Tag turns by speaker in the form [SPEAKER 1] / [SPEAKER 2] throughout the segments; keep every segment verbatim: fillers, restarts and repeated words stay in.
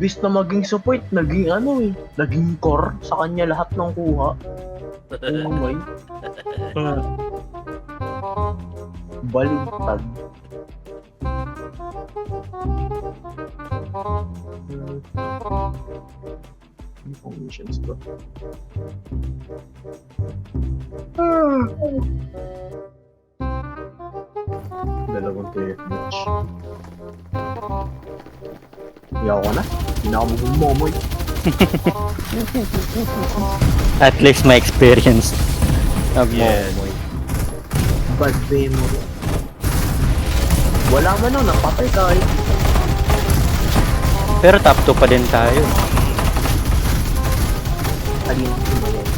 [SPEAKER 1] Imbis na maging support, naging ano eh, naging core sa kanya lahat ng kuha. Oh my. Baligtad. Hmm. Informations ba? Ah. Dalawang T F match. Iyaw ko na. Hindi na ako mag-momoy.
[SPEAKER 2] At least my experience.
[SPEAKER 3] Yes.
[SPEAKER 2] Nagmomoy.
[SPEAKER 1] Bad memory. Wala man nun, napatay tayo.
[SPEAKER 2] Pero top two pa din tayo.
[SPEAKER 1] Alin mo yan.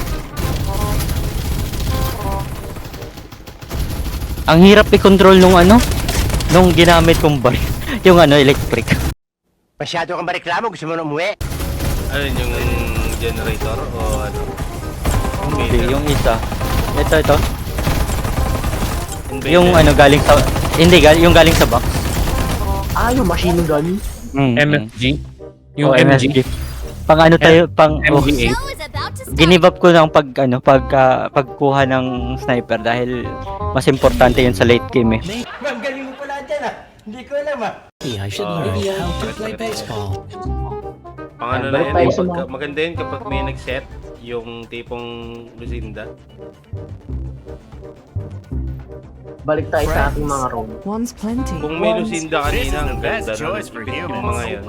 [SPEAKER 2] Ang hirap i-control nung ano, nung ginamit kong bar, yung ano, electric.
[SPEAKER 4] Masyado kang bareklamo, gusto mo na umuwi?
[SPEAKER 3] Ano yun, yung generator o ano?
[SPEAKER 2] Hindi, yung isa. Ito, ito.
[SPEAKER 3] Invader.
[SPEAKER 2] Yung ano, galing sa, hindi, gal yung galing sa box.
[SPEAKER 1] Ah, yung machine gun.
[SPEAKER 2] Mm,
[SPEAKER 5] M F G? Yung
[SPEAKER 2] oh,
[SPEAKER 5] M G?
[SPEAKER 2] Pang ano tayo, pang, oh,
[SPEAKER 5] M G eight?
[SPEAKER 2] ginib up ko ng pag, ano, pag, uh, pagkuha ng sniper dahil mas importante yun sa late game eh.
[SPEAKER 4] Ang galing mo pala dyan ah. Hindi ko alam ah.
[SPEAKER 6] I should
[SPEAKER 3] Oh,
[SPEAKER 6] learn how to
[SPEAKER 3] correct,
[SPEAKER 6] play
[SPEAKER 3] correct,
[SPEAKER 6] baseball.
[SPEAKER 3] Pang ano na
[SPEAKER 1] Balik
[SPEAKER 3] yun,
[SPEAKER 1] tayo
[SPEAKER 3] eh,
[SPEAKER 1] sa
[SPEAKER 3] pagka,
[SPEAKER 1] mga-
[SPEAKER 3] maganda yun kapag may nag-set, yung tipong Lucinda.
[SPEAKER 1] Balik tayo sa ating mga room.
[SPEAKER 7] One's plenty.
[SPEAKER 3] Kung may Lucinda kanina, ang ganda nun, ipit yung mga yun.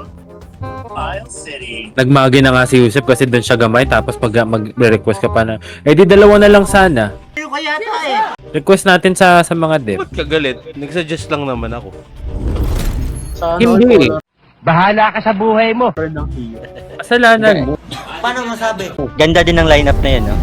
[SPEAKER 5] Nagmagi na nga si Yusef kasi doon siya gamay tapos pag mag-request ka pa na, eh di dalawa na lang sana.
[SPEAKER 4] Ano kaya ta eh?
[SPEAKER 5] Request natin sa sa mga dev.
[SPEAKER 3] Ba't kagalit? Nagsuggest lang naman ako.
[SPEAKER 1] Sa
[SPEAKER 5] Hindi.
[SPEAKER 4] Bahala ka sa buhay mo.
[SPEAKER 1] Third ng hero.
[SPEAKER 5] Kasalanan mo.
[SPEAKER 4] Paano masabi?
[SPEAKER 2] Ganda din ng lineup na yun, no?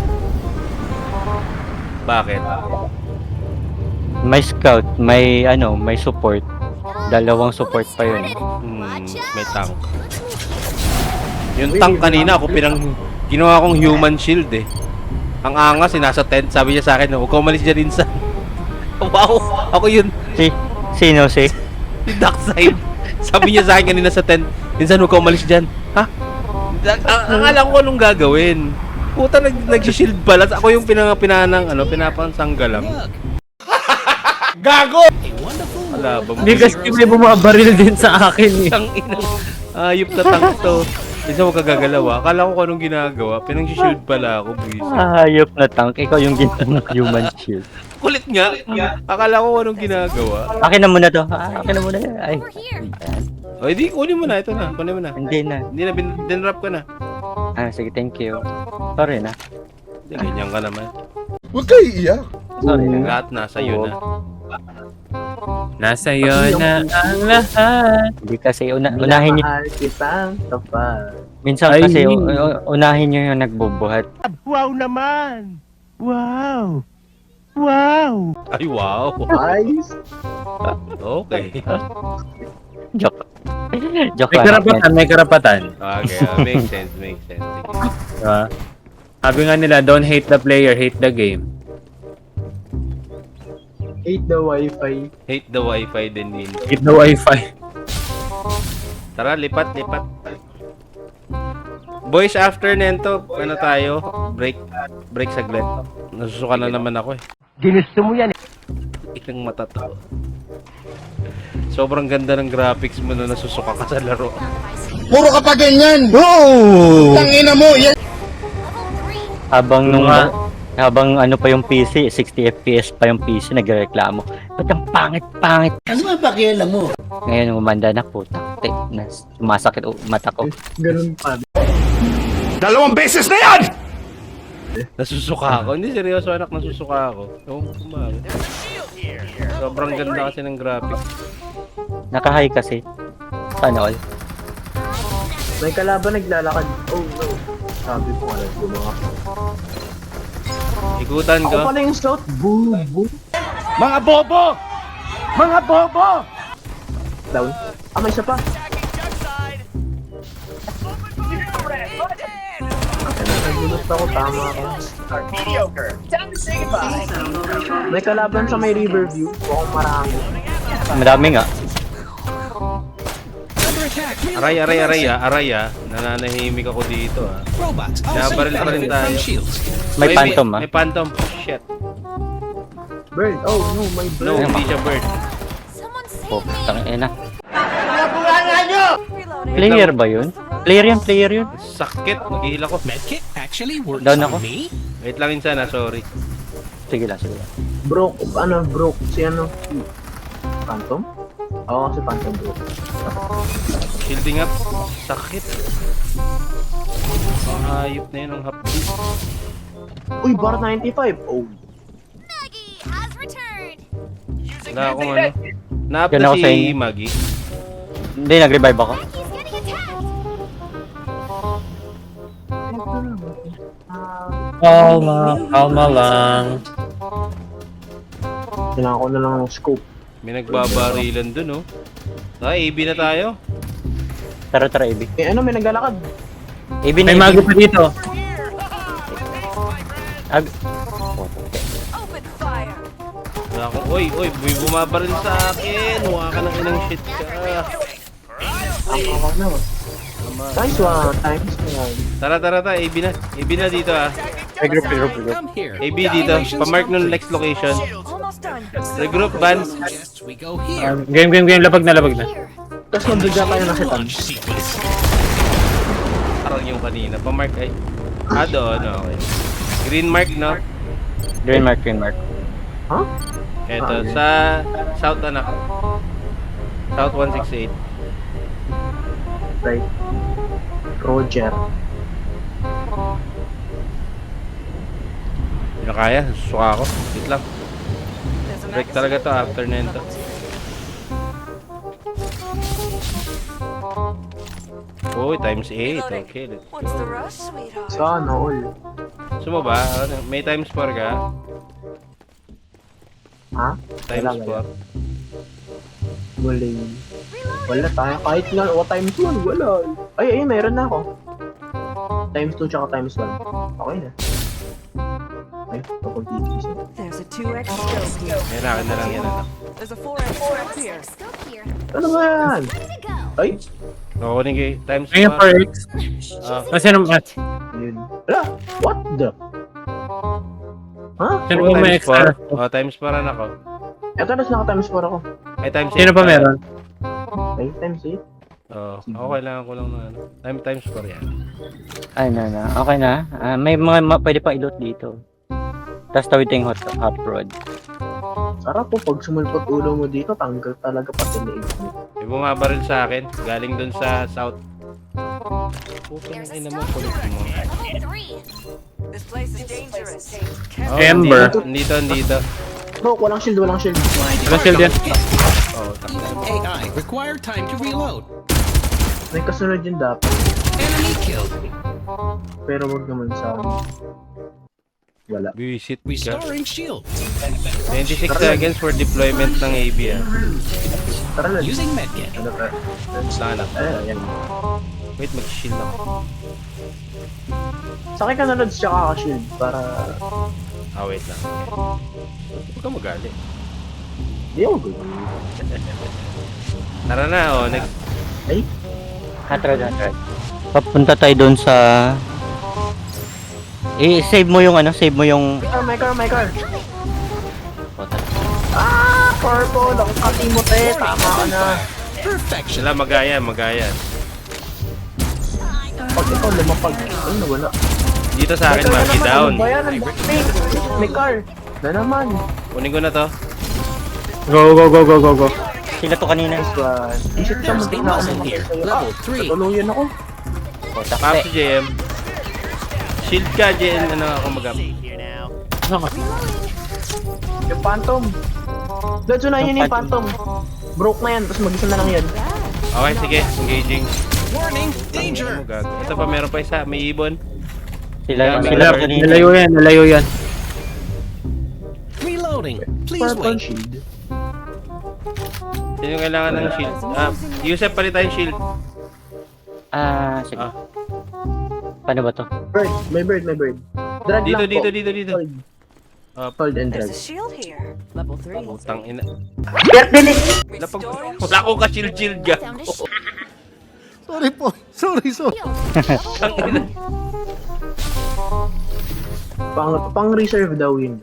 [SPEAKER 3] Bakit?
[SPEAKER 2] May scout, may ano, may support. Dalawang support pa yun.
[SPEAKER 3] Hmm, may tank. Yung tank kanina ako pinang ginawa kong human shield eh. Ang angas, nasa tent. Sabi niya sa akin, huwag ka umalis dyan Insan. Wow! Ako yun.
[SPEAKER 2] Si, sino si?
[SPEAKER 3] Si Darkseid. Sabi niya sa akin kanina sa tent, Insan, huwag ka umalis dyan. Ha? Ang akala ko anong gagawin. Puta, nag nag-shield pala. Ako yung pinang pinanang, ano, pinapansangga lang. Gago! Ala,
[SPEAKER 5] Hindi kasi may bumabaril din sa akin eh.
[SPEAKER 3] Ang inang ayop na tank to. Isa mo kagagalaw ah. Akala ko kung anong ginagawa. Pinang-shield pala ako, buwis.
[SPEAKER 2] Hayop na tank, ikaw yung ginawang human shield.
[SPEAKER 3] Kulit nga. Akala ko kung anong ginagawa.
[SPEAKER 2] Akin na muna to. Ah, akin na muna. Ay. Ayan.
[SPEAKER 3] O, hindi, kunin mo na. Ito na. Kunin mo na.
[SPEAKER 2] Hindi na.
[SPEAKER 3] Hindi na, bin- dinrap ka na.
[SPEAKER 2] Ah, sige, thank you. Sorry na.
[SPEAKER 3] Hindi, ganyan ka naman.
[SPEAKER 2] Sorry na.
[SPEAKER 3] Lahat nasa iyo na.
[SPEAKER 5] Nasa iyo na ang lahat.
[SPEAKER 2] Hindi kasi, una, unahin nyo.
[SPEAKER 1] Minamahal kitang kapal.
[SPEAKER 2] Minsan
[SPEAKER 5] Ay.
[SPEAKER 2] kasi, u- u- unahin nyo yung nagbubuhat.
[SPEAKER 4] Wow naman! Wow! Wow!
[SPEAKER 3] Ay, wow.
[SPEAKER 1] Nice.
[SPEAKER 3] Okay.
[SPEAKER 2] Joke. Joke
[SPEAKER 5] May
[SPEAKER 2] lang.
[SPEAKER 5] karapatan, may karapatan.
[SPEAKER 3] Okay, ah, makes sense, makes sense. Sige.
[SPEAKER 5] Diba? Sabi nga nila, don't hate the player, hate the game.
[SPEAKER 1] Hate the wifi.
[SPEAKER 3] Hate the wifi din din.
[SPEAKER 5] Hate the wifi.
[SPEAKER 3] Tara, lipat, lipat. Boys, after nento, ano tayo? Break, break saglit. Nasusuka na naman ako eh.
[SPEAKER 4] Ginusto mo yan eh.
[SPEAKER 3] Ilang mata to. Sobrang ganda ng graphics mo na nasusuka ka sa laro.
[SPEAKER 4] Puro ka pa ganyan! Oh! Tangina mo! Yan!
[SPEAKER 2] Habang nung,
[SPEAKER 5] Nga.
[SPEAKER 2] habang ano pa yung P C, sixty F P S pa yung P C, nagreklamo. Ba't ang pangit-pangit?
[SPEAKER 4] Ano ba pakialam mo?
[SPEAKER 2] Ngayon, umanda na po. Taktik na sumasakit o mata ko.
[SPEAKER 1] Ganun pa.
[SPEAKER 4] Dalawang beses na yan!
[SPEAKER 3] Nasusuka ako. Hindi, seryoso anak, nasusuka ako. Ewan ko kung bakit. Sobrang ganda kasi ng graphics.
[SPEAKER 2] Naka-high kasi. Sana all.
[SPEAKER 1] May kalaban naglalakad. Oh no. Sabi ko alam ko mga.
[SPEAKER 3] Ikutan
[SPEAKER 1] Ako
[SPEAKER 3] ko.
[SPEAKER 1] pala yung scout. Boom, boom.
[SPEAKER 4] Mga bobo! Mga bobo!
[SPEAKER 1] Down. Ah, may isa pa. Nagulat ako, tama ako. May kalaban sa may Riverview. Mukhang marami.
[SPEAKER 2] Madami nga.
[SPEAKER 3] Aray, aray, aray ah, aray ah. Nananahimik ako dito ah.
[SPEAKER 6] Robots
[SPEAKER 3] Nabaril pa rin tayo.
[SPEAKER 6] shields.
[SPEAKER 2] May
[SPEAKER 3] Uy,
[SPEAKER 2] phantom ah.
[SPEAKER 3] May phantom. Shit.
[SPEAKER 1] Bird. Oh no, my bird.
[SPEAKER 3] No, hindi siya bird.
[SPEAKER 2] Oh, tangina. Player ba yun? Player yan, player yun.
[SPEAKER 3] Sakit. Mag-heal ako.
[SPEAKER 6] Medkit actually works
[SPEAKER 2] Down
[SPEAKER 6] on
[SPEAKER 2] ako.
[SPEAKER 6] me.
[SPEAKER 3] Wait lang insan ah, sorry.
[SPEAKER 2] Sige lang, sige lang.
[SPEAKER 1] Broke, ano, broke. Si ano? Phantom? Oo, si Phantom broke.
[SPEAKER 3] Shielding up. Sakit. Hayop na yun ang hapdi.
[SPEAKER 1] Uy, bar ninety-five. Oh.
[SPEAKER 7] Maggie has returned.
[SPEAKER 3] Wala akong ano. Na-up
[SPEAKER 2] Yan
[SPEAKER 3] na
[SPEAKER 2] ako sa
[SPEAKER 3] si
[SPEAKER 2] inyo.
[SPEAKER 3] Maggie.
[SPEAKER 2] Hindi, nag-revive ako.
[SPEAKER 7] Maggie's getting attacked.
[SPEAKER 5] Kalma, kalma lang.
[SPEAKER 1] Kailangan ko na lang ng scope.
[SPEAKER 3] May nagbabarilan dun oh. Ay, A B na tayo.
[SPEAKER 2] Tara, tara, A B.
[SPEAKER 1] Eh ano, may naglalakad.
[SPEAKER 2] A B na,
[SPEAKER 5] May
[SPEAKER 2] A B.
[SPEAKER 5] mago pa dito.
[SPEAKER 2] Ag...
[SPEAKER 7] Open fire.
[SPEAKER 3] Wala akong, oy, oy, may bumabaril sa akin. Huwag ka ng inang shit ka.
[SPEAKER 1] Ang ako na. Nice one. Times one.
[SPEAKER 3] Tara, tara, tara. A B na. A B na dito ah.
[SPEAKER 2] Regroup, regroup, regroup.
[SPEAKER 6] Come here.
[SPEAKER 3] A B dito. Pamark nung next location.
[SPEAKER 7] Almost done.
[SPEAKER 3] Regroup, Vance.
[SPEAKER 6] Suggests we go here.
[SPEAKER 5] Um, game, game, game. Labag na, labag na.
[SPEAKER 7] Here.
[SPEAKER 1] Tapos mabigla tayo ng setan.
[SPEAKER 6] Launch sequence.
[SPEAKER 3] Parang yung kanina. Pamark ay. Ah, doon. Okay. Green mark, no?
[SPEAKER 2] Green mark, green mark.
[SPEAKER 1] Ha?
[SPEAKER 3] Eto, sa South anak. South one six eight.
[SPEAKER 1] Right. Roger.
[SPEAKER 3] Hindi na kaya. Susuka ako. Wait lang. Break talaga to after na yun to. Uy, times eight. Okay. let's
[SPEAKER 7] What's the
[SPEAKER 3] go.
[SPEAKER 7] rush, sweetheart?
[SPEAKER 1] Sana all.
[SPEAKER 3] Gusto mo ba? Ano, may times four ka?
[SPEAKER 1] Ha?
[SPEAKER 3] Times
[SPEAKER 1] Wala,
[SPEAKER 3] four.
[SPEAKER 1] Muling. Wala tayo. Kahit nga, o times one, wala. Ay, ay, meron na ako. Times two tsaka times one. Okay na. Ay, kapag dito.
[SPEAKER 8] There's a two X scope here.
[SPEAKER 3] May nakin na lang yan. Anak.
[SPEAKER 8] There's a four X scope here.
[SPEAKER 7] Scope here.
[SPEAKER 1] Ano ba yan?
[SPEAKER 7] Ready to go.
[SPEAKER 1] Ay,
[SPEAKER 3] Kukunin kayo. Times
[SPEAKER 5] Ngayon,
[SPEAKER 3] four.
[SPEAKER 5] four X.
[SPEAKER 3] Ah,
[SPEAKER 5] Kasi ano, ah,
[SPEAKER 1] yun. Ala, what the? Ha?
[SPEAKER 5] sino
[SPEAKER 3] oh,
[SPEAKER 5] ba may
[SPEAKER 3] times four.
[SPEAKER 5] extra?
[SPEAKER 3] Oh, times four na ako.
[SPEAKER 1] Eto na naka times four ako.
[SPEAKER 3] Ay, times eight.
[SPEAKER 5] Sino pa
[SPEAKER 3] tayo.
[SPEAKER 5] meron?
[SPEAKER 1] Ay, times eight.
[SPEAKER 3] Oo. Ako kailangan ko lang na ano. Time times four yan.
[SPEAKER 2] Ay, na, na. Okay na. Ah, may mga ma- pwede pa ilot dito. Tapos tawid tayong hot, hot rod.
[SPEAKER 1] Sarap po, pag sumulpot ulo mo dito, tanggal talaga pati na mo.
[SPEAKER 3] May bumabaril sa akin. Galing dun sa south. Puto
[SPEAKER 7] There's
[SPEAKER 3] na
[SPEAKER 7] a
[SPEAKER 3] ina mo.
[SPEAKER 7] stop
[SPEAKER 3] Kulit mo.
[SPEAKER 7] Level three.
[SPEAKER 8] This place is dangerous.
[SPEAKER 3] Oh,
[SPEAKER 5] Ember.
[SPEAKER 3] Dito, dito, dito.
[SPEAKER 1] Bro, walang shield, walang shield.
[SPEAKER 5] Walang shield yan.
[SPEAKER 3] Oh, takbo.
[SPEAKER 6] A I required time to reload.
[SPEAKER 1] May kasunod yun dapat.
[SPEAKER 6] Enemy killed.
[SPEAKER 1] Pero wag naman sa... Wala.
[SPEAKER 3] Visit ka.
[SPEAKER 6] Restoring shield.
[SPEAKER 3] twenty-six seconds for deployment ng A B ah.
[SPEAKER 1] Tara lang.
[SPEAKER 6] Using medkit.
[SPEAKER 1] Ano ka?
[SPEAKER 3] Saan anak?
[SPEAKER 1] Eh, ayan.
[SPEAKER 3] Wait, mag-shield ako.
[SPEAKER 1] Sakay ka na Lods tsaka ka-shield para...
[SPEAKER 3] Ah, wait lang. Huwag ka magalit.
[SPEAKER 1] Hindi ako good.
[SPEAKER 3] Tara na, oh. Next.
[SPEAKER 1] Ay,
[SPEAKER 2] Hot rod, hot rod. Papunta tayo doon sa... Eh, save mo yung ano, save mo yung...
[SPEAKER 1] my car, my car, my car. Ah, purple. Ang katimote. Tama ka na.
[SPEAKER 6] Perfection.
[SPEAKER 3] Sila magayan, magayan.
[SPEAKER 1] Pag ikaw lumapag, ay nawala.
[SPEAKER 3] Dito sa akin, Maggie, down.
[SPEAKER 1] Ano ba yan? Ang backpack. May car. Na naman.
[SPEAKER 3] Kunin ko na to.
[SPEAKER 5] Go, go, go, go, go, go.
[SPEAKER 2] Sila to kanina.
[SPEAKER 1] Nice one. Isip ka
[SPEAKER 6] There's a
[SPEAKER 1] mag na ako
[SPEAKER 6] muzzle here. Level three.
[SPEAKER 1] Tuluyan ako.
[SPEAKER 2] O,
[SPEAKER 3] Pop
[SPEAKER 2] takte.
[SPEAKER 3] si J M. Shield ka, J M. Ano ako mag-up?
[SPEAKER 1] Yung phantom. Lods, unahin yun yung phantom. Broke na yan, tapos mag-isa na lang yan.
[SPEAKER 3] Okay, sige. Engaging.
[SPEAKER 6] Warning, danger.
[SPEAKER 3] Ano gag- Ito pa, meron pa isa. May ibon.
[SPEAKER 2] Sila,
[SPEAKER 3] May
[SPEAKER 2] sila
[SPEAKER 5] Nala-
[SPEAKER 2] to kanina.
[SPEAKER 5] Nalayo yan, nalayo yan.
[SPEAKER 6] Reloading. Please
[SPEAKER 1] Purple
[SPEAKER 6] wait.
[SPEAKER 1] shield.
[SPEAKER 3] Sino yung kailangan ng shield? Ah, Yusef, palit tayong shield.
[SPEAKER 2] Ah, sige.
[SPEAKER 3] Ah.
[SPEAKER 2] Paano ba to?
[SPEAKER 1] Bird, may bird, may bird. Drag
[SPEAKER 3] Dito,
[SPEAKER 1] lang
[SPEAKER 3] dito,
[SPEAKER 1] po.
[SPEAKER 3] dito, dito.
[SPEAKER 1] Hold.
[SPEAKER 3] Ah,
[SPEAKER 1] Hold and
[SPEAKER 8] There's
[SPEAKER 1] drag.
[SPEAKER 8] a shield here. Level three.
[SPEAKER 3] Putang ina.
[SPEAKER 7] Restoring
[SPEAKER 3] Lapag, wala akong ka-shield-shield ga.
[SPEAKER 7] down to shield.
[SPEAKER 4] Sorry po. Sorry, sorry.
[SPEAKER 1] Pang, pang reserve daw yun.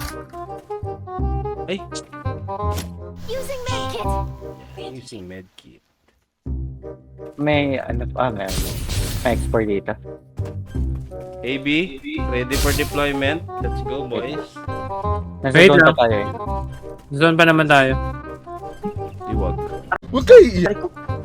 [SPEAKER 3] Ay,
[SPEAKER 7] Using medkit.
[SPEAKER 3] using medkit.
[SPEAKER 2] May ano pa, may, may export dito.
[SPEAKER 3] A B, ready for deployment. Let's go, boys.
[SPEAKER 2] Nasa
[SPEAKER 5] Wait
[SPEAKER 2] zone pa
[SPEAKER 5] lang.
[SPEAKER 2] tayo eh.
[SPEAKER 5] Zone pa naman tayo.
[SPEAKER 3] Iwag.
[SPEAKER 4] Huwag kayo iiyak.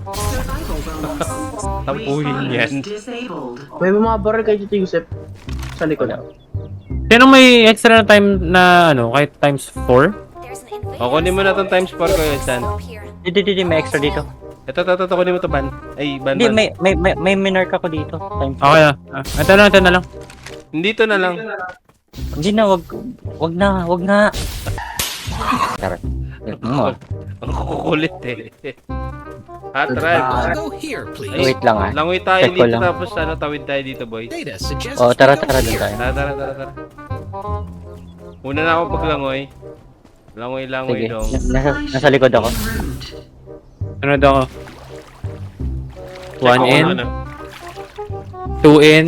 [SPEAKER 3] Tampuhin yan.
[SPEAKER 1] May bumabaril kay Tito Yusef sa likod.
[SPEAKER 5] Sino may extra na time na ano, kahit times four?
[SPEAKER 7] There's an invader.
[SPEAKER 3] O, kunin mo na tong times four ko, San.
[SPEAKER 7] Up here.
[SPEAKER 2] Dito, dito, may extra dito.
[SPEAKER 3] Ito, ito, ito, kunin mo to, Ban. Ay, Ban,
[SPEAKER 2] Hindi,
[SPEAKER 3] Ban.
[SPEAKER 2] may, may, may, may minark ako dito. Time
[SPEAKER 5] Okay na. Ah, ito na, ito na lang.
[SPEAKER 3] Hindi to na lang.
[SPEAKER 2] Hindi na, wag, wag na, wag na. Tara. Mo.
[SPEAKER 3] Ang kukulit eh. Hot rod.
[SPEAKER 6] Go here, please.
[SPEAKER 2] Wait lang ah.
[SPEAKER 3] Langoy tayo
[SPEAKER 2] Check ko
[SPEAKER 3] dito
[SPEAKER 2] lang.
[SPEAKER 3] tapos ano, tawid tayo dito, boy.
[SPEAKER 6] Data suggests
[SPEAKER 2] Oh,
[SPEAKER 6] we
[SPEAKER 2] tara,
[SPEAKER 6] go
[SPEAKER 2] tara dun
[SPEAKER 6] here.
[SPEAKER 2] tayo.
[SPEAKER 3] Tara, tara, tara, tara. Una na ako paglangoy. Langoy, langoy
[SPEAKER 2] Sige,
[SPEAKER 3] dong.
[SPEAKER 2] na- nasa, nasa likod ako.
[SPEAKER 5] Sunod ako.
[SPEAKER 3] Check
[SPEAKER 5] One
[SPEAKER 3] ko
[SPEAKER 5] in,
[SPEAKER 3] kung ano.
[SPEAKER 5] two in.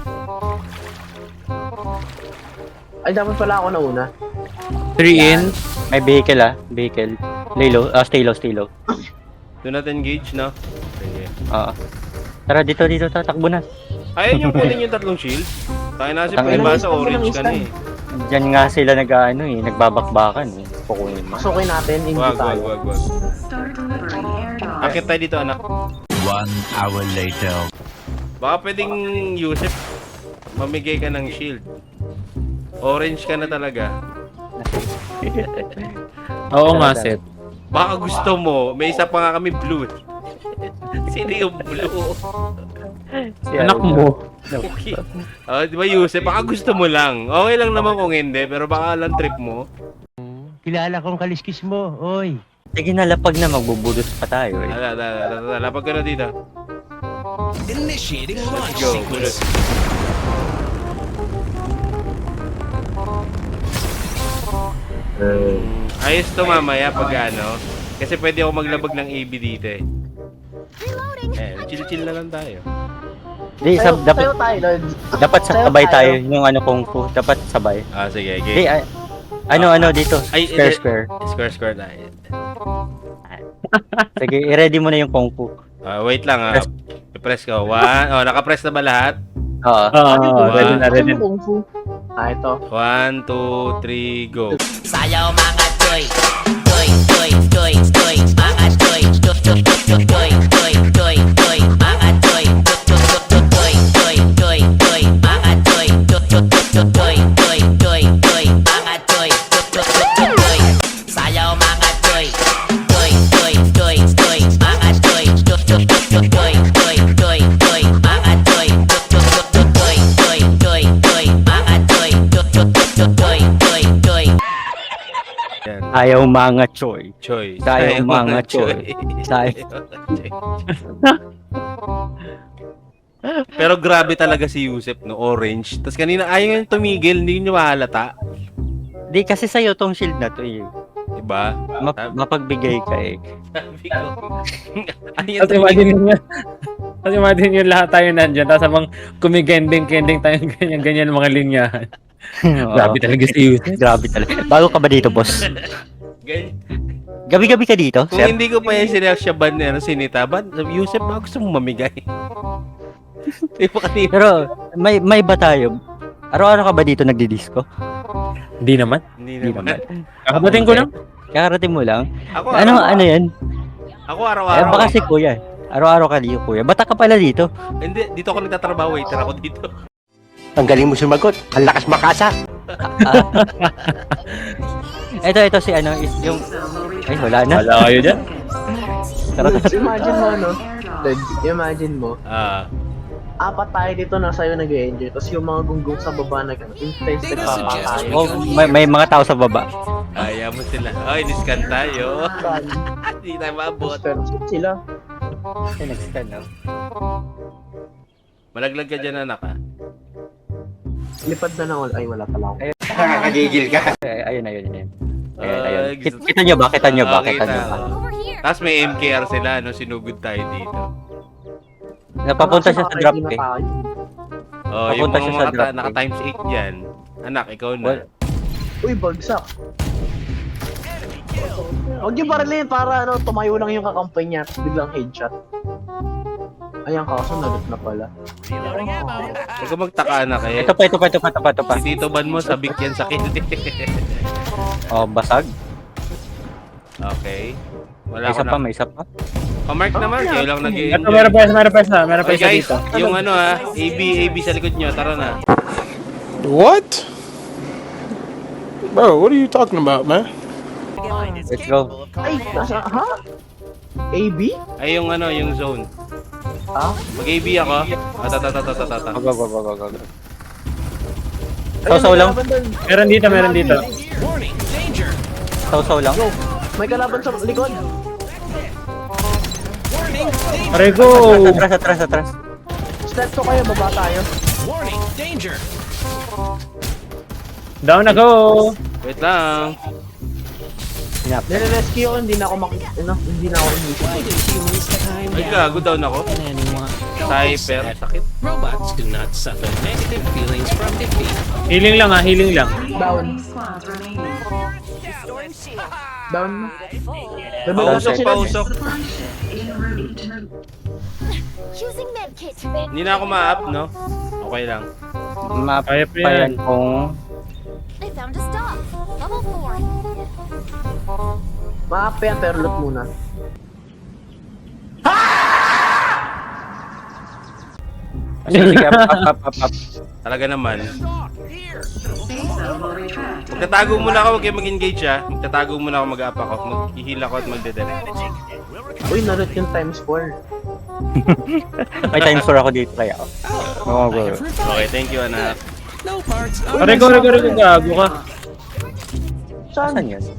[SPEAKER 1] Ay, dapat pala ako na una.
[SPEAKER 5] Three in.
[SPEAKER 2] May vehicle ah, vehicle. Lay low, ah, stay low, stay low.
[SPEAKER 3] Do not engage, no? Sige.
[SPEAKER 2] Oo. Tara, dito, dito, tatakbo na.
[SPEAKER 3] Ayun yung kunin yung tatlong shield. Tayo na si
[SPEAKER 2] Tangina.
[SPEAKER 3] Prima sa orange ka na eh.
[SPEAKER 2] Diyan nga sila nag ano eh, nagbabakbakan eh. Kukunin mo.
[SPEAKER 1] Pasukin natin, hindi
[SPEAKER 3] Wag, wag,
[SPEAKER 1] tayo.
[SPEAKER 3] wag, wag. Akit tayo dito, anak.
[SPEAKER 4] One hour later.
[SPEAKER 3] Baka pwedeng, Yusef, mamigay ka ng shield. Orange ka na talaga.
[SPEAKER 5] Oo nga, Seth.
[SPEAKER 3] Baka gusto mo, may isa pa nga kami blue. eh. Sino yung blue?
[SPEAKER 2] Si
[SPEAKER 5] Anak
[SPEAKER 2] ano,
[SPEAKER 5] mo.
[SPEAKER 3] Okay. Oh, di ba, Yusef? Baka gusto mo lang. Okay lang naman kung hindi, pero baka lang trip mo.
[SPEAKER 9] Kilala kong kaliskis mo, oy.
[SPEAKER 2] Sige na, lapag na, magbubulot pa tayo eh.
[SPEAKER 3] Ala, ala, ala, ala, lapag ka na dito.
[SPEAKER 6] Initiating launch
[SPEAKER 3] Go,
[SPEAKER 6] sequence.
[SPEAKER 3] Ayos to mamaya pag ano. Kasi pwede ako maglabag ng A B dito eh. Eh, chill-chill na lang tayo.
[SPEAKER 2] Di,
[SPEAKER 1] Tayo,
[SPEAKER 2] sab, dapat,
[SPEAKER 1] tayo tayo, Lord.
[SPEAKER 2] dapat
[SPEAKER 1] Tayo
[SPEAKER 2] sabay
[SPEAKER 1] tayo.
[SPEAKER 2] tayo, yung ano kung fu, dapat sabay.
[SPEAKER 3] Ah, sige,
[SPEAKER 2] Di,
[SPEAKER 3] okay.
[SPEAKER 2] ah, ano, ano dito,
[SPEAKER 3] Ay,
[SPEAKER 2] square,
[SPEAKER 3] eh,
[SPEAKER 2] square.
[SPEAKER 3] Square, square tayo.
[SPEAKER 2] Sige, i-ready mo na yung kung fu.
[SPEAKER 3] Ah, wait lang ah. I-press ko. One. Oh, naka-press na ba lahat?
[SPEAKER 2] Oo.
[SPEAKER 5] Oo, ready na, ready na.
[SPEAKER 1] Kung fu. Ah, ito.
[SPEAKER 3] One, two, three, go.
[SPEAKER 8] Sayaw mga toy, toy, toy, toy, toy, mga toy, toy, toy, toy, toy, toy, toy, toy, mga toy, toy, toy, toy, toy, toy, mga toy, toy, toy, toy, toy, toy, toy, mga toy, toy, toy, toy, sayaw mga toy, toy, toy, toy, toy, mga toy, toy, toy, toy, toy, toy, toy, mga toy, toy, toy, toy, toy, toy, mga toy, toy, toy, toy, toy, toy.
[SPEAKER 3] Yan.
[SPEAKER 2] Ayaw mga choy.
[SPEAKER 3] Choy.
[SPEAKER 2] Tayo
[SPEAKER 3] Tayo
[SPEAKER 2] mga choy. Tayo.
[SPEAKER 3] Pero grabe talaga si Yusef, no? Orange. Tapos kanina ayaw yung tumigil, hindi nyo mahalata.
[SPEAKER 2] Di, kasi sa'yo tong shield na to eh.
[SPEAKER 3] Diba?
[SPEAKER 2] Map- mapagbigay ka eh.
[SPEAKER 3] Sabi ko. Ayaw
[SPEAKER 5] Tapos
[SPEAKER 3] tumigil.
[SPEAKER 5] imagine nyo, tapos imagine nyo lahat tayo nandyan, tapos habang kumigending-kending tayo ganyan-ganyan mga linyahan.
[SPEAKER 2] Oo.
[SPEAKER 5] Grabe talaga si Yusef.
[SPEAKER 2] Grabe talaga. Bago ka ba dito, boss?
[SPEAKER 3] Ganyan.
[SPEAKER 2] Gabi-gabi ka dito,
[SPEAKER 3] Kung
[SPEAKER 2] sir?
[SPEAKER 3] hindi ko pa yung sineksya ban na sinita, ban, Yusef, ba gusto mong mamigay? Di ba kanina?
[SPEAKER 2] Pero, may, may ba tayo? Araw-araw ka ba dito nagdi-disco?
[SPEAKER 5] Hindi naman.
[SPEAKER 3] Hindi
[SPEAKER 2] Hindi
[SPEAKER 3] naman.
[SPEAKER 5] Kakabating ko lang.
[SPEAKER 2] Kakarating mo lang?
[SPEAKER 3] Ako,
[SPEAKER 2] Ano,
[SPEAKER 3] araw-
[SPEAKER 2] ano yan?
[SPEAKER 3] Ako
[SPEAKER 2] Eh,
[SPEAKER 3] araw-araw.
[SPEAKER 2] baka si kuya. Araw-araw ka dito, kuya. Bata ka pala dito.
[SPEAKER 3] Hindi, dito ako nagtatrabaho, waiter ako dito.
[SPEAKER 9] Ang galing mo sumagot. Ang lakas makasa.
[SPEAKER 2] Ito, ito si ano, is yung... Ay, wala na.
[SPEAKER 5] Wala kayo dyan.
[SPEAKER 2] Tara, tara.
[SPEAKER 1] Imagine mo, no? Lord, imagine mo.
[SPEAKER 3] Ah,
[SPEAKER 1] Apat tayo dito na sa'yo nag-enjoy. Tapos yung mga gunggong sa baba na gano'n. Intense
[SPEAKER 6] Data
[SPEAKER 1] na
[SPEAKER 6] suggests we
[SPEAKER 2] Oh,
[SPEAKER 6] go
[SPEAKER 2] may, may mga tao sa baba.
[SPEAKER 3] kaya mo sila. Ay, discount tayo. Hindi tayo maabot.
[SPEAKER 1] Pero sila.
[SPEAKER 2] Ay, nag-scan, no?
[SPEAKER 3] Malaglag ka dyan, anak, ha?
[SPEAKER 1] Lipad na lang. Ay, wala pala ako.
[SPEAKER 9] Nakakagigil ka.
[SPEAKER 2] Ay, ayun, ayun, ayun. Ayun,
[SPEAKER 3] Ay,
[SPEAKER 2] ayun. Kit-
[SPEAKER 3] gusto-
[SPEAKER 2] Kita nyo ba? Kita nyo ba?
[SPEAKER 3] Ah,
[SPEAKER 2] Kita nyo
[SPEAKER 3] kita.
[SPEAKER 2] ba?
[SPEAKER 7] Over here.
[SPEAKER 3] Tapos may M K R sila, no? Sinugod tayo dito.
[SPEAKER 2] Napapunta siya sa
[SPEAKER 1] Kasi
[SPEAKER 2] drop
[SPEAKER 1] naka-ready
[SPEAKER 2] eh.
[SPEAKER 1] na tayo.
[SPEAKER 3] Oh, yung
[SPEAKER 2] Papunta
[SPEAKER 3] mga,
[SPEAKER 2] siya sa
[SPEAKER 3] mga
[SPEAKER 2] drop,
[SPEAKER 3] ta- naka
[SPEAKER 2] eh.
[SPEAKER 3] times eight dyan. Anak, ikaw na.
[SPEAKER 2] Well,
[SPEAKER 1] Uy, bagsak. Huwag yung parilin para ano, tumayo lang yung kakampay niya tapos biglang headshot. Ayan, kaso nalit na pala.
[SPEAKER 3] Huwag ka magtaka, anak eh.
[SPEAKER 2] ito pa, ito pa, ito pa, ito pa, ito pa.
[SPEAKER 3] Si Tito Ban mo, sabik yan sa kill.
[SPEAKER 2] Oh, basag.
[SPEAKER 3] Okay. Wala
[SPEAKER 2] May
[SPEAKER 3] ko
[SPEAKER 2] isa pa,
[SPEAKER 3] na.
[SPEAKER 2] may isa pa.
[SPEAKER 3] Pamark naman, kayo lang
[SPEAKER 5] Ito,
[SPEAKER 3] nag-i-enjoy.
[SPEAKER 5] meron pa isa, meron pa isa, meron pa
[SPEAKER 3] Okay
[SPEAKER 5] isa
[SPEAKER 3] guys,
[SPEAKER 5] dito.
[SPEAKER 3] yung ano ah, A B, A B sa likod nyo, tara na.
[SPEAKER 4] What? Bro, what are you talking about, man?
[SPEAKER 2] Let's go.
[SPEAKER 1] Ay, nasa, ha? A B?
[SPEAKER 3] Ay yung ano, yung zone.
[SPEAKER 1] Ha?
[SPEAKER 3] Mag-A B ako. Ah, ta ta ta ta ta ta ta.
[SPEAKER 2] Go, go, go, go, go, go.
[SPEAKER 1] Ayun,
[SPEAKER 2] Sausaw
[SPEAKER 1] may
[SPEAKER 2] lang.
[SPEAKER 1] kalaban doon.
[SPEAKER 5] Meron dito, meron dito.
[SPEAKER 6] Warning, danger.
[SPEAKER 2] Sausaw lang.
[SPEAKER 1] May kalaban sa likod.
[SPEAKER 6] Warning, danger.
[SPEAKER 5] Aray ko!
[SPEAKER 2] Atras, atras, atras.
[SPEAKER 1] Step to kayo, baba tayo.
[SPEAKER 6] Warning, danger.
[SPEAKER 5] Down na go!
[SPEAKER 3] Wait lang.
[SPEAKER 1] Nire-rescue ko, hindi na ako mak... Ano, hindi na ako inisip.
[SPEAKER 6] Why do humans time
[SPEAKER 3] Ay,
[SPEAKER 6] down
[SPEAKER 3] gago down ako.
[SPEAKER 6] and anyone?
[SPEAKER 3] Cyper, sakit.
[SPEAKER 6] Robots do not suffer negative feelings from defeat.
[SPEAKER 5] Healing lang ah, healing lang.
[SPEAKER 1] Down. Down. Rebel na
[SPEAKER 3] Pausok,
[SPEAKER 1] sila.
[SPEAKER 3] pausok.
[SPEAKER 7] Using medkit.
[SPEAKER 3] Hindi na ako ma-up, no? Okay lang.
[SPEAKER 5] Kaya pa yan.
[SPEAKER 2] Mapayan kung...
[SPEAKER 7] I found a stop. Level four.
[SPEAKER 1] Maap yan, pero loot muna.
[SPEAKER 2] Sige, up, up, up, up, up.
[SPEAKER 3] Talaga naman. Magtatago muna ako, huwag kayo mag-engage ha. Magtatago muna ako, mag-up ako. Mag-heal ako at magde-death.
[SPEAKER 1] Uy, narot yung times four.
[SPEAKER 2] May time store ako dito kaya. Oo,
[SPEAKER 6] I
[SPEAKER 2] go.
[SPEAKER 6] have revived.
[SPEAKER 3] Okay, thank you, anak.
[SPEAKER 6] No parts of
[SPEAKER 5] Aray ko, aray ko, aray ko, gago ka.
[SPEAKER 1] Saan?
[SPEAKER 2] Saan yun?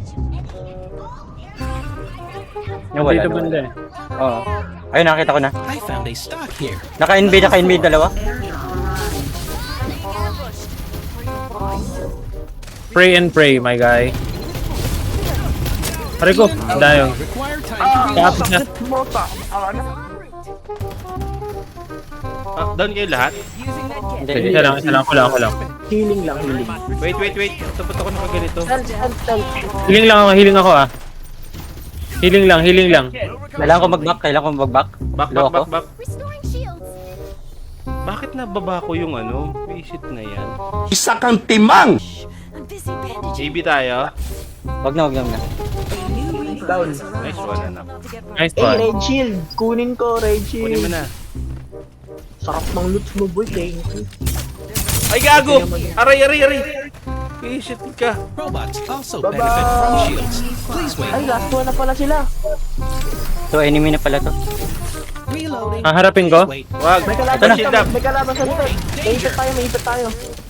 [SPEAKER 2] Nawala,
[SPEAKER 5] Dito
[SPEAKER 2] nawala.
[SPEAKER 5] banda eh.
[SPEAKER 2] Oo. Ayun, nakita ko na.
[SPEAKER 6] I found a stock here.
[SPEAKER 2] Naka-N B, naka-N B dalawa.
[SPEAKER 5] Pray and pray, my guy. Aray ko, dayo.
[SPEAKER 6] Require time to
[SPEAKER 5] Kapit na.
[SPEAKER 3] Ah, down kayo lahat?
[SPEAKER 2] Hindi,
[SPEAKER 5] Isa
[SPEAKER 2] hindi.
[SPEAKER 5] lang, isa lang, ako lang, ako lang.
[SPEAKER 1] Healing lang, healing.
[SPEAKER 3] Wait, wait, wait. Tapos ako na ganito.
[SPEAKER 1] Saan, saan, saan?
[SPEAKER 5] Healing lang ako, healing ako ah. Healing lang, healing lang.
[SPEAKER 2] Kailangan ko mag-back, kailangan ko mag-back.
[SPEAKER 3] Back,
[SPEAKER 2] Low
[SPEAKER 3] back,
[SPEAKER 2] ako.
[SPEAKER 3] back, back.
[SPEAKER 7] Restoring shields.
[SPEAKER 3] Bakit nababa ko yung ano? Visit na yan.
[SPEAKER 4] Isa kang timang!
[SPEAKER 7] I'm busy bandaging.
[SPEAKER 3] A B tayo.
[SPEAKER 2] Wag na, wag na, wag na.
[SPEAKER 1] Down.
[SPEAKER 3] Nice one, anak.
[SPEAKER 5] Nice
[SPEAKER 1] Eh,
[SPEAKER 5] one.
[SPEAKER 1] raid shield. Kunin ko, raid
[SPEAKER 3] Kunin mo
[SPEAKER 1] shield.
[SPEAKER 3] na.
[SPEAKER 1] Sarap ng loot mo, boy. Thank you.
[SPEAKER 3] Ay, gago! Aray, aray, aray! Visit ka.
[SPEAKER 6] Robots also
[SPEAKER 1] Bye-bye.
[SPEAKER 6] benefit from shields. Please wait.
[SPEAKER 1] Ay, last one na pala sila.
[SPEAKER 2] So, enemy na pala to.
[SPEAKER 6] Reloading.
[SPEAKER 5] Haharapin ko?
[SPEAKER 6] Wait.
[SPEAKER 3] Wag.
[SPEAKER 1] May
[SPEAKER 3] Ito
[SPEAKER 1] kalaban
[SPEAKER 3] na. Shield
[SPEAKER 1] sa,
[SPEAKER 3] up.
[SPEAKER 1] may kalaban sa likod. May ipit tayo, may ipit tayo.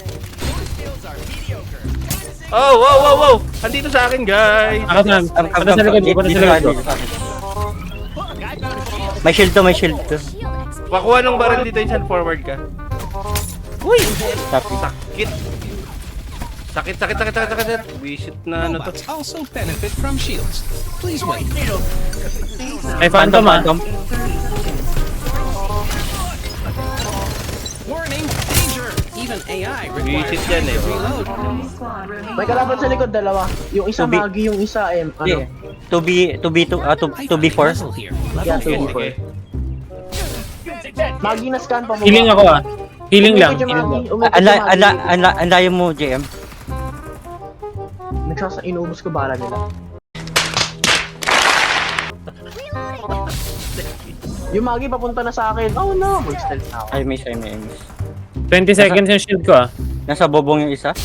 [SPEAKER 3] Oh, wow, wow, wow! Andito sa akin, guys!
[SPEAKER 5] Ako na,
[SPEAKER 2] Come, come,
[SPEAKER 5] punta sa
[SPEAKER 2] come,
[SPEAKER 5] likod ko,
[SPEAKER 2] dito,
[SPEAKER 5] punta
[SPEAKER 2] dito
[SPEAKER 5] sa
[SPEAKER 2] ka,
[SPEAKER 5] likod ko.
[SPEAKER 2] dito ka. May shield to, may shield to.
[SPEAKER 7] Shield X P.
[SPEAKER 3] Pakuha ng baril dito, insan forward ka. Uy!
[SPEAKER 2] Copy.
[SPEAKER 3] Sakit! Sakit, sakit, sakit, sakit, sakit! Visit na ano to.
[SPEAKER 6] Robots also benefit from shields. Please wait.
[SPEAKER 5] Ay, phantom ah.
[SPEAKER 2] Phantom.
[SPEAKER 6] Warning, danger. Even A I requires
[SPEAKER 3] Visit yan eh.
[SPEAKER 6] reload.
[SPEAKER 1] May kalaban sa likod, dalawa. Yung isa
[SPEAKER 2] Tubi.
[SPEAKER 1] magi, yung isa em, ano.
[SPEAKER 2] Hindi. two B, two B two, ah, two
[SPEAKER 6] I
[SPEAKER 2] two B
[SPEAKER 6] found a
[SPEAKER 2] four.
[SPEAKER 6] puzzle here.
[SPEAKER 1] Yeah,
[SPEAKER 3] Sige,
[SPEAKER 1] two B four.
[SPEAKER 3] sige.
[SPEAKER 1] Magi na scan pa mo.
[SPEAKER 5] Healing ako ah. Healing lang.
[SPEAKER 1] Umikot yung
[SPEAKER 5] Healing
[SPEAKER 1] magi,
[SPEAKER 5] lang.
[SPEAKER 1] umikot
[SPEAKER 2] Ala,
[SPEAKER 1] yung
[SPEAKER 2] ala,
[SPEAKER 1] magi.
[SPEAKER 2] ala, ang layo mo, J M.
[SPEAKER 1] Nagsasa, inubos ko bala nila. Yung magi papunta na sa akin. Oh no, mag-stealth na ako.
[SPEAKER 2] Ay, miss, ay, miss.
[SPEAKER 5] twenty seconds yung shield ko ah.
[SPEAKER 2] Nasa bobong yung isa.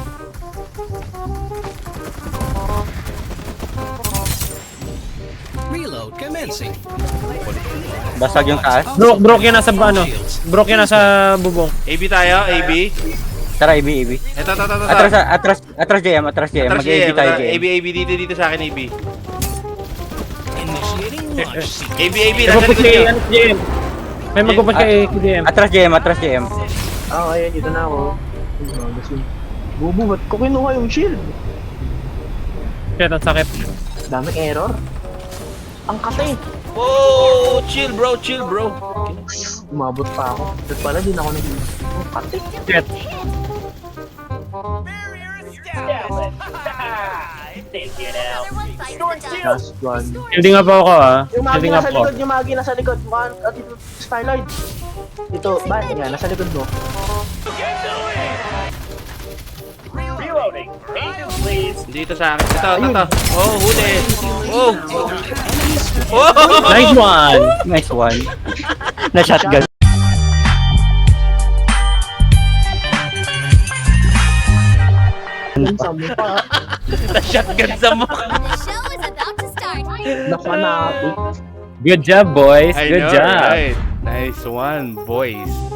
[SPEAKER 6] Reload commencing.
[SPEAKER 2] Basag yung taas.
[SPEAKER 5] Broke, broke yan nasa ano. Broke yan nasa bubong.
[SPEAKER 3] A B tayo, A B.
[SPEAKER 2] Tara, A B, A B.
[SPEAKER 3] Ito, ito, ito, ito.
[SPEAKER 2] Atras, atras, atras J M, atras J M.
[SPEAKER 3] Atras
[SPEAKER 2] Mag-A B
[SPEAKER 3] siya,
[SPEAKER 2] tayo, J
[SPEAKER 3] A
[SPEAKER 2] M.
[SPEAKER 3] B, A B, dito, dito sa akin, A B.
[SPEAKER 6] Initiating launch sequence.
[SPEAKER 3] A B, A B,
[SPEAKER 5] May
[SPEAKER 3] nasa
[SPEAKER 5] magpuput
[SPEAKER 3] likod
[SPEAKER 5] kay
[SPEAKER 3] nyo.
[SPEAKER 5] ano, J M. May magpuput kay J M.
[SPEAKER 2] Atras J M, atras J M.
[SPEAKER 1] Ah, ayan, dito na ako. Ayun, gusto yun. Bubu, ba't ko kinuha yung shield?
[SPEAKER 5] Shit, ang sakit.
[SPEAKER 1] Daming error. Ang kate.
[SPEAKER 3] Oh, chill bro, chill bro.
[SPEAKER 1] Umabot pa ako. Tapos pala, din ako nag- Oh, pati.
[SPEAKER 2] Shit.
[SPEAKER 7] Another one bites the dust.
[SPEAKER 1] Last one.
[SPEAKER 5] Hindi nga pa ako ah.
[SPEAKER 1] Yung magi
[SPEAKER 5] Hindi nga
[SPEAKER 1] nasa
[SPEAKER 5] po.
[SPEAKER 1] likod, yung magi nasa likod. Mukhang, at ito, Starlight. Ito, ba? Yan, nasa likod mo.
[SPEAKER 3] Dito sa akin. Ito, ito, ito. Oh, huli. Oh. Oh.
[SPEAKER 5] Nice one!
[SPEAKER 2] Nice one. Na shotgun.
[SPEAKER 1] Yung sa mukha.
[SPEAKER 3] Na-shotgun sa mukha.
[SPEAKER 7] The show is about to start.
[SPEAKER 1] Napanapit.
[SPEAKER 5] Good job, boys.
[SPEAKER 3] I
[SPEAKER 5] Good
[SPEAKER 3] know,
[SPEAKER 5] job.
[SPEAKER 3] right? Nice one, boys.